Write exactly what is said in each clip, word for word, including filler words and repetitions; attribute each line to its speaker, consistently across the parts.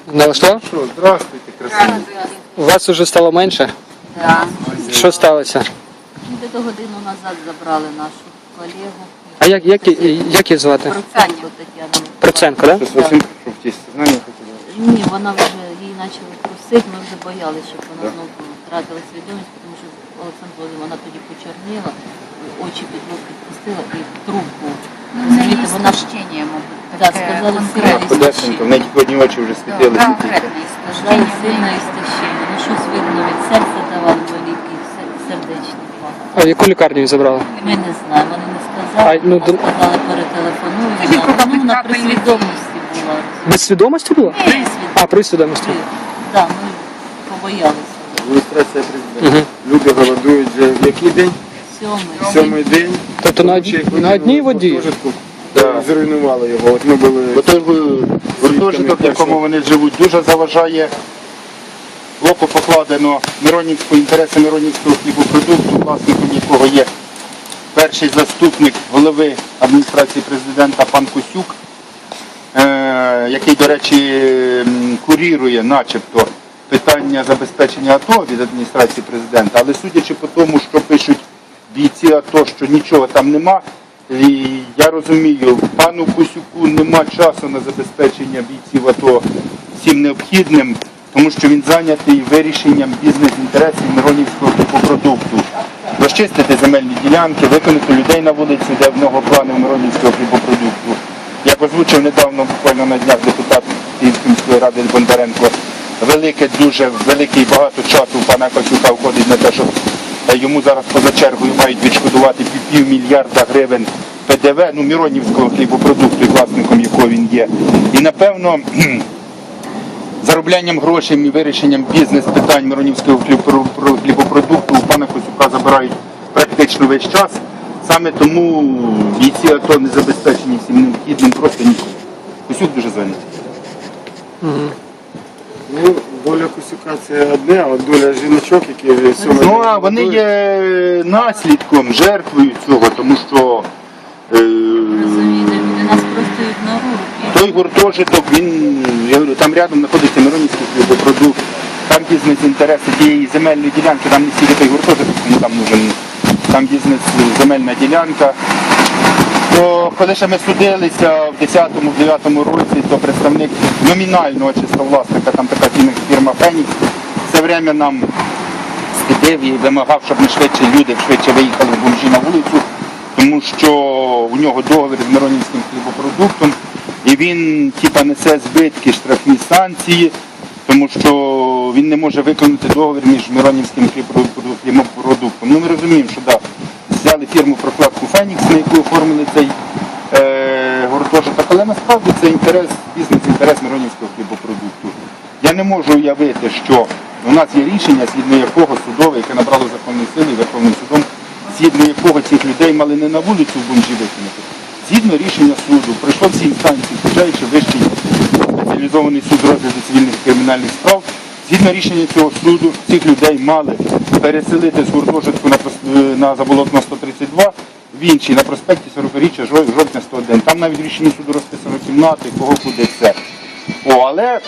Speaker 1: Налаштував?
Speaker 2: Що, здравствуйте, красиві.
Speaker 1: У вас уже стало менше?
Speaker 3: Да.
Speaker 1: Що сталося?
Speaker 3: Де-то годину назад забрали нашу колегу.
Speaker 1: А як, як, як її звати?
Speaker 3: Проценко Тетяну.
Speaker 1: Проценко, так?
Speaker 2: Щось Василь, що в тісті знання хотіли.
Speaker 3: Ні, вона вже, її почали трусити, ми вже боялися, щоб вона знову втратила свідомість, тому що Олександр Володимирович, вона тоді почерніла, очі під лоб підпустила і трубку. Розумієте, вона
Speaker 4: Істощення, мабуть,
Speaker 3: Да,
Speaker 4: таке
Speaker 3: сказали,
Speaker 4: конкретне.
Speaker 2: Подесенько, в неї тільки одні очі вже світили.
Speaker 4: Конкретне
Speaker 3: сказали
Speaker 4: істощення.
Speaker 3: сильне істощення. Ну щось видно, від серця давали боліки, сердечний факт.
Speaker 1: А в яку лікарню її забрали?
Speaker 3: Ми не знаємо, вони не сказали,
Speaker 1: А, ну,
Speaker 3: а
Speaker 1: до-
Speaker 3: сказали перетелефонуємо.
Speaker 4: Тоді, коли
Speaker 3: Ну, вона при
Speaker 4: капельниці.
Speaker 3: свідомості була.
Speaker 1: Без свідомості була?
Speaker 3: При свідомості.
Speaker 1: А, при свідомості.
Speaker 3: Так, ми побоялися.
Speaker 2: Адміністрація президента.
Speaker 1: Угу.
Speaker 2: Люди голодують вже в який день?
Speaker 3: Сьомий.
Speaker 2: Сьомий день.
Speaker 1: Тобто на, од... на одній воді?
Speaker 2: Гуртожитку. Да, зруйнували його. От ми були...
Speaker 5: Отой гуртожиток, в якому вони живуть, дуже заважає. Око покладено Миронівського, інтереси Миронівського хлібопродукту, власником якого є перший заступник голови адміністрації президента пан Косюк, е, який, до речі, м, курірує начебто питання забезпечення АТО від адміністрації президента, але судячи по тому, що пишуть бійці АТО, що нічого там нема, і я розумію, пану Косюку нема часу на забезпечення бійців АТО всім необхідним, тому що він зайнятий вирішенням бізнес-інтересів Миронівського хлібопродукту. Розчистити земельні ділянки, виконати людей на вулиці, де в нього плани Миронівського хлібопродукту. Як озвучив недавно, буквально на днях, депутат Київської міської ради Бондаренко, велике, дуже великий багато часу у пана Косюка входить на те, що йому зараз поза чергою мають відшкодувати півмільярда гривень Пе Де Ве, ну, Миронівського хлібопродукту, і власником якого він є. І, напевно, зароблянням грошей і вирішенням бізнес-питань Миронівського хлібопродукту у пана Косюка забирають практично весь час. Саме тому бійці АТО не забезпечені всім необхідним, просто ніколи. Косюк дуже зайнятий.
Speaker 1: Угу.
Speaker 2: Ну, доля Косюка це одне, а от доля жіночок, які вже сьомий
Speaker 5: Ну,
Speaker 2: день
Speaker 5: а вони
Speaker 2: голодують.
Speaker 5: є наслідком, жертвою цього, тому що е,
Speaker 3: Розумієте, люди нас просто ігнорують.
Speaker 5: той гуртожиток, він, я говорю, там рядом знаходиться Миронівський хлібопродукт, там бізнес-інтереси тієї земельної ділянки, там не стільки той гуртожиток, кому там нужен, там бізнес-земельна ділянка. То коли ще ми судилися в десятому-дев'ятому році, то представник номінального чисто власника, там така фірма «Фенікс», все время нам слідив і вимагав, щоб ми швидше, люди швидше виїхали з бомжі на вулицю, тому що у нього договір з Миронівським хлібопродуктом, і він типа несе збитки, штрафні санкції, тому що він не може виконати договір між Миронівським хлібопродуктом. Ну ми розуміємо, що да, взяли фірму прокладку «Фенікс», на яку оформили цей е, гуртожиток, але насправді це інтерес, бізнес-інтерес Миронівського хлібопродукту. Я не можу уявити, що у нас є рішення, згідно якого судове, яке набрало законної сили Верховним судом, згідно якого цих людей мали не на вулицю в бомжі викинути. Згідно рішення суду, пройшло всі інстанції, включаючи Вищий спеціалізований суд розгляду цивільних і кримінальних справ, згідно рішення цього суду, цих людей мали переселити з гуртожитку на, на Заболотного сто тридцять два в інший, на проспекті сорокаріччя жовтня сто один. Там навіть в рішенні суду розписано кімнати, кого куди все. О, але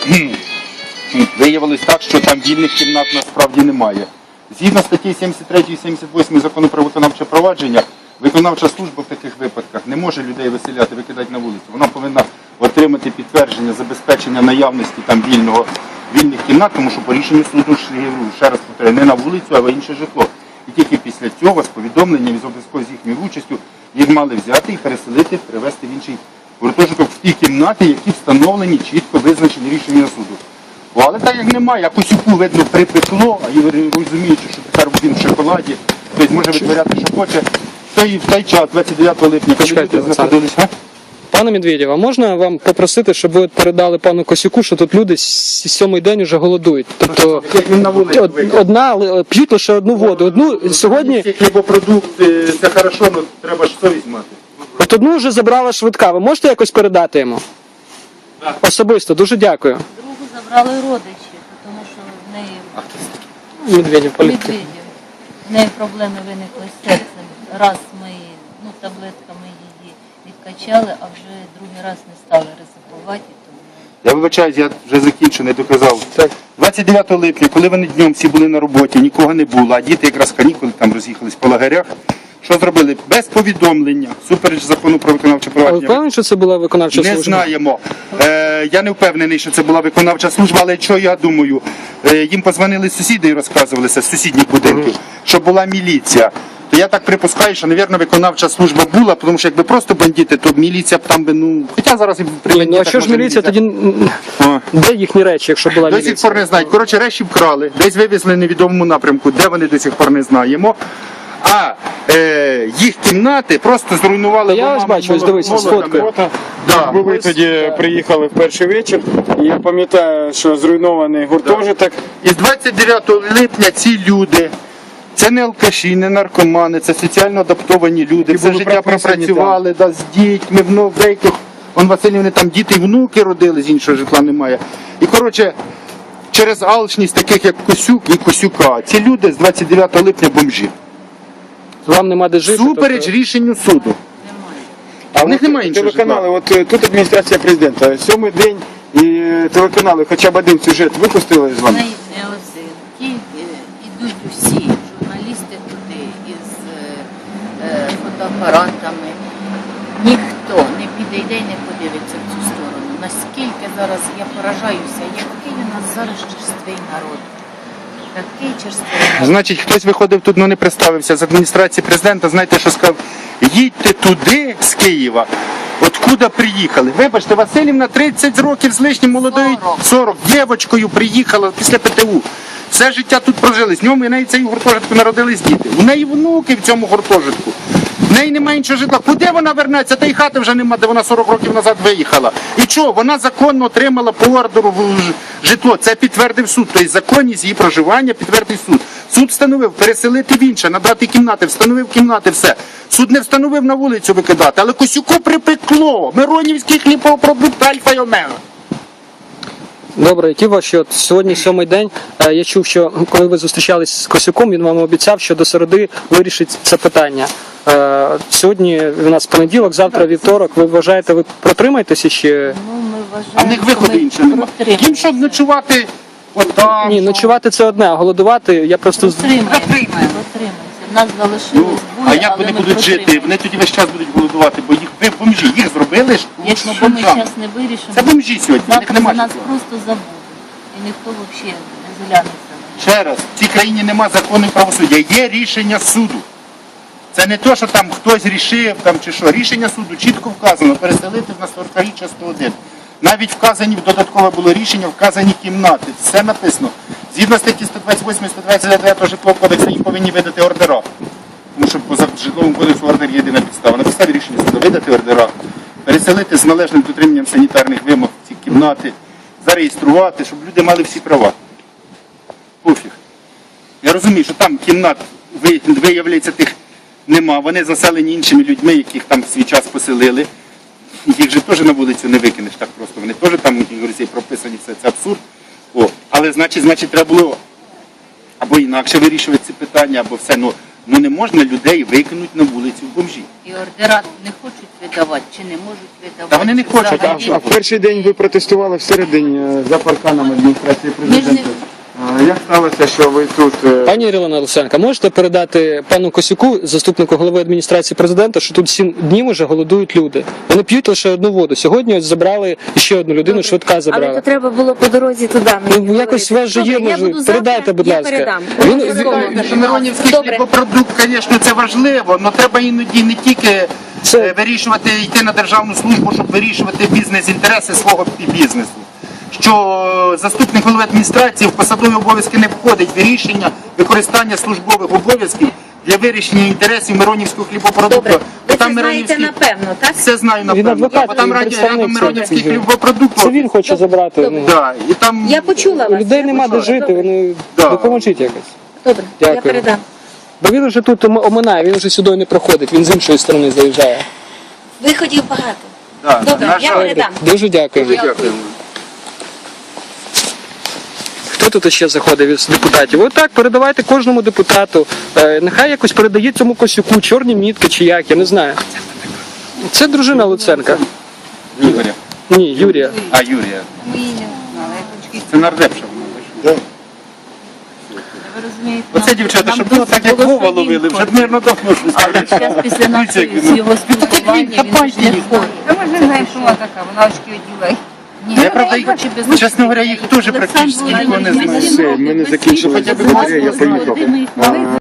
Speaker 5: виявилось так, що там вільних кімнат насправді немає. Згідно статті сімдесят три і сімдесят восьми закону про виконавче провадження, виконавча служба в таких випадках не може людей виселяти, викидати на вулицю. Вона повинна отримати підтвердження забезпечення наявності там вільного, вільних кімнат, тому що по рішенню суду, ще раз повторюю, не на вулицю, а в інше житло. І тільки після цього з повідомленням і з обов'язково з їхньою участю їх мали взяти і переселити, перевезти в інший гуртожиток в ті кімнати, які встановлені, чітко визначені рішення суду. О, але так як немає, а Косюку, видно, припекло, а і розуміючи, що тепер він в шоколаді, тобто може витворяти, що хоче, то і в той час, двадцять дев'ятого липня, коли
Speaker 1: Чекайте,
Speaker 5: люди знаходилися.
Speaker 1: Пане Медведєв, а можна вам попросити, щоб ви передали пану Косюку, що тут люди с- сьомий день вже голодують? Тобто
Speaker 5: Як він на вулиці
Speaker 1: од-
Speaker 5: викинув.
Speaker 1: одна, ли- п'ють лише одну воду. Одну сьогодні,
Speaker 5: Ці хлібопродукти, це хорошо, але треба ж совість мати.
Speaker 1: от одну вже забрала швидка. Ви можете якось передати йому? Особисто, дуже дякую.
Speaker 3: Другу забрали родичі, тому що в неї
Speaker 1: Медведєв, політик.
Speaker 3: Медведєв. В неї проблеми виникли з серцем. Раз ми ну, таблетками її відкачали, а вже другий раз не стали ризикувати, тому
Speaker 5: Я вибачаюсь, я вже закінчу, не доказав.
Speaker 1: Так.
Speaker 5: двадцять дев'ятого липня, коли вони днем всі були на роботі, нікого не було, а діти якраз канікули там роз'їхались по лагерях. Що зробили? Без повідомлення, супереч закону про виконавче
Speaker 1: А ви
Speaker 5: провадження.
Speaker 1: впевнені, що це була виконавча
Speaker 5: Не
Speaker 1: служба?
Speaker 5: знаємо. Е, я не впевнений, що це була виконавча служба, але що я думаю, е, їм позвонили сусіди і розказувалися з сусідніх будинків, що була міліція. То я так припускаю, що, мабуть, виконавча служба була, тому що якби просто бандити, то міліція б там би, ну, хоча зараз і при
Speaker 1: Ні, ну а
Speaker 5: бандитах,
Speaker 1: що ж
Speaker 5: може,
Speaker 1: міліція тоді... м,
Speaker 5: О.
Speaker 1: Де їхні речі, якщо була
Speaker 5: До сих
Speaker 1: міліція?
Speaker 5: пор не знають. Коротше, речі вкрали, десь вивезли в невідомому напрямку, де вони до сих пор не знаємо. А е, їх кімнати просто зруйнували.
Speaker 1: Та я ось
Speaker 5: бомбами,
Speaker 1: бачу, ось
Speaker 5: молот-
Speaker 1: дивися,
Speaker 5: молотами.
Speaker 1: сфоткаю.
Speaker 2: Фото.
Speaker 5: Да.
Speaker 2: Бо ви тоді приїхали в перший вечір, і я пам'ятаю, що зруйнований гуртожиток.
Speaker 5: І з двадцять дев'ятого липня ці люди, це не алкаші, не наркомани, це соціально адаптовані люди,
Speaker 2: І
Speaker 5: все
Speaker 2: були
Speaker 5: життя
Speaker 2: прописані
Speaker 5: пропрацювали да, з дітьми, внук, деяких, он Васильівни там діти і внуки родили, з іншого житла немає. І коротше, через алчність таких як Косюк і Косюка, ці люди з двадцять дев'ятого липня бомжі.
Speaker 1: Вам нема де жити?
Speaker 5: Супереч
Speaker 1: тобто-
Speaker 5: рішенню суду.
Speaker 2: А
Speaker 5: в них
Speaker 2: от
Speaker 5: немає іншого
Speaker 2: телеканали, от е, тут адміністрація президента, сьомий день, і е, телеканали хоча б один сюжет випустили з вами?
Speaker 3: Не, не один. Ті е, ідуть усі журналісти туди із е, е, фотоапаратами. Ніхто не підійде і не подивиться в цю сторону. Наскільки зараз я поражаюся, який у нас зараз черствий народ. Такий черствий народ.
Speaker 5: Значить, хтось виходив тут, ну не представився з адміністрації президента, знаєте, що сказав? Їдьте туди, з Києва, откуда приїхали. Вибачте, Василівна тридцять років з лишнім молодою,
Speaker 3: сорок.
Speaker 5: сорок, дівчинкою приїхала після ПТУ. Все життя тут прожили. З ньому і неї цей гуртожитку народились діти. У неї внуки в цьому гуртожитку. В неї немає іншого житла. Куди вона вернеться? Та й хати вже нема, де вона сорок років назад виїхала. І що? Вона законно отримала по ордеру ж- житло. Це підтвердив суд. Тобто законність її проживання підтвердив суд. Суд встановив переселити в інше, надати кімнати, встановив кімнати, все. Суд не встановив на вулицю викидати, але Косюку припекло. Миронівський хлібопродукт Альфа й Омега.
Speaker 1: Добре, які ваші от сьогодні сьомий день. Е, Я чув, що коли ви зустрічались з Косюком, він вам обіцяв, що до середи вирішить це питання. Е, Сьогодні у нас понеділок, завтра вівторок. Ви вважаєте, ви протримаєтеся ще?
Speaker 3: Ну, ми вважаємо,
Speaker 5: А в них виходу
Speaker 3: що ми
Speaker 5: іншого немає.
Speaker 3: протримаємося.
Speaker 5: Їм щоб ночувати отам.
Speaker 1: Ні,
Speaker 5: що?
Speaker 1: ночувати це одне, а голодувати я просто з-
Speaker 3: Протримаємося, протримаємося. Нас
Speaker 5: Ну,
Speaker 3: залишилось
Speaker 5: а
Speaker 3: двоє,
Speaker 5: як
Speaker 3: але
Speaker 5: вони
Speaker 3: ми
Speaker 5: будуть жити?
Speaker 3: протримаємося.
Speaker 5: Вони тоді весь час будуть голодувати, бо їх ви бомжі, їх зробили ж.
Speaker 3: Якщо
Speaker 5: бомжами.
Speaker 3: ми зараз не вирішимо,
Speaker 5: Це бомжі сьогодні, в них
Speaker 3: завтра за
Speaker 5: немає.
Speaker 3: нас просто забудуть. І ніхто взагалі не зглянеться.
Speaker 5: Ще раз, в цій країні нема закону і правосуддя, є рішення суду. Це не те, що там хтось рішив там, чи що. Рішення суду чітко вказано, переселити на сорокаріччя сто один. Навіть вказані, додаткове було рішення, вказані кімнати. Все написано. Згідно статті сто двадцять восьмої сто двадцять дев'ятого житлового кодексу їм повинні видати ордера. Тому що по житловому кодексу ордер є єдина підстава. На підставі рішення суду видати ордера, переселити з належним дотриманням санітарних вимог ці кімнати, зареєструвати, щоб люди мали всі права. Пофіг. Я розумію, що там кімнат, ви- виявляється, тих нема. Вони заселені іншими людьми, яких там в свій час поселили. Їх же теж на вулицю не викинеш так просто. Вони теж там, як говориться, прописані, все це абсурд. О, але значить, значить, треба було або інакше вирішувати ці питання, або все. Ну, ну не можна людей викинути на вулицю в бомжі.
Speaker 3: І ордера не хочуть видавати, чи не можуть видавати.
Speaker 5: Та вони не
Speaker 3: чи
Speaker 5: хочуть,
Speaker 3: взагалі.
Speaker 2: А в перший день ви протестували всередині е, за парканом адміністрації президента. А Як сталося, що ви тут? е,
Speaker 1: Пані Ірина Олександрівна, можете передати пану Косюку, заступнику голови адміністрації президента, що тут сім днів уже голодують люди. Вони п'ють лише одну воду. Сьогодні ось забрали ще одну людину, швидка
Speaker 4: Але
Speaker 1: забрала.
Speaker 4: то треба було по дорозі туди. мені
Speaker 1: Ну, якось
Speaker 4: говорити.
Speaker 1: у вас же є,
Speaker 4: Добре, я
Speaker 1: може,
Speaker 4: буду
Speaker 1: передайте,
Speaker 4: завтра,
Speaker 1: будь
Speaker 4: я
Speaker 1: ласка.
Speaker 4: передам.
Speaker 1: Він-
Speaker 4: Обов'язково
Speaker 1: він-
Speaker 4: передам.
Speaker 5: Миронівський
Speaker 4: Добре.
Speaker 5: хлібопродукт, звісно, це важливо, але треба іноді не тільки
Speaker 1: Це-
Speaker 5: е, вирішувати, йти на державну службу, щоб вирішувати бізнес-інтереси свого бізнесу. Що заступник голови адміністрації в посадові обов'язки не входить в рішення використання службових обов'язків для вирішення інтересів Миронівського хлібопродукту.
Speaker 4: Добре.
Speaker 5: Бо
Speaker 4: Ви
Speaker 5: там
Speaker 4: це знаєте
Speaker 5: Миронівський-
Speaker 4: напевно, так?
Speaker 5: Все знаю
Speaker 1: Він
Speaker 5: напевно.
Speaker 1: адвокат,
Speaker 5: Бо там
Speaker 1: він
Speaker 5: раді-
Speaker 1: представник
Speaker 5: рядом Миронівський
Speaker 1: цього.
Speaker 5: хлібопродукт.
Speaker 1: Це він хоче забрати. Ну,
Speaker 5: Да, і там...
Speaker 4: Я почула
Speaker 1: у
Speaker 4: вас.
Speaker 1: людей
Speaker 4: я
Speaker 1: нема де
Speaker 4: почула.
Speaker 1: жити,
Speaker 4: Добре.
Speaker 1: вони
Speaker 5: Да.
Speaker 1: допоможіть якось.
Speaker 4: Добре,
Speaker 1: Дякую.
Speaker 4: я передам.
Speaker 1: Бо він вже тут ом- оминає, він вже сюди не проходить, він з іншої сторони заїжджає.
Speaker 4: Виходів багато.
Speaker 5: Да,
Speaker 4: Добре,
Speaker 5: на
Speaker 4: я
Speaker 5: жаль.
Speaker 4: передам.
Speaker 1: Дуже дякую.
Speaker 5: Дякую.
Speaker 1: Хто тут ще заходив із депутатів? Отак, передавайте кожному депутату. Е, нехай якось передає цьому Косюку чорні мітки чи як, я не знаю. Це дружина Луценка.
Speaker 5: Ігоря.
Speaker 1: Ні, Юрія.
Speaker 5: А, Юрія.
Speaker 6: Ми її не знали, як очки.
Speaker 5: Це нардепша вона.
Speaker 2: Да.
Speaker 3: Ви розумієте,
Speaker 5: Оце
Speaker 3: нам-
Speaker 5: дівчата,
Speaker 3: нам
Speaker 5: щоб було так, як
Speaker 3: було
Speaker 5: Вова ловили, вже
Speaker 3: самим
Speaker 5: мирно давно щось.
Speaker 3: Але зараз після нашої з його спілкування він
Speaker 5: хапайте
Speaker 3: ж не
Speaker 5: їх.
Speaker 3: входить.
Speaker 6: Та ми ж не знаємо, що вона така, вона очки одіває.
Speaker 3: Ні,
Speaker 5: Я, правда, їх, чесно говоря, їх теж практично ніхто не знає.
Speaker 2: Все, ми не закінчили
Speaker 5: Хоча б
Speaker 2: батарею, я поїхав.
Speaker 3: Ми їх
Speaker 2: А,
Speaker 3: могли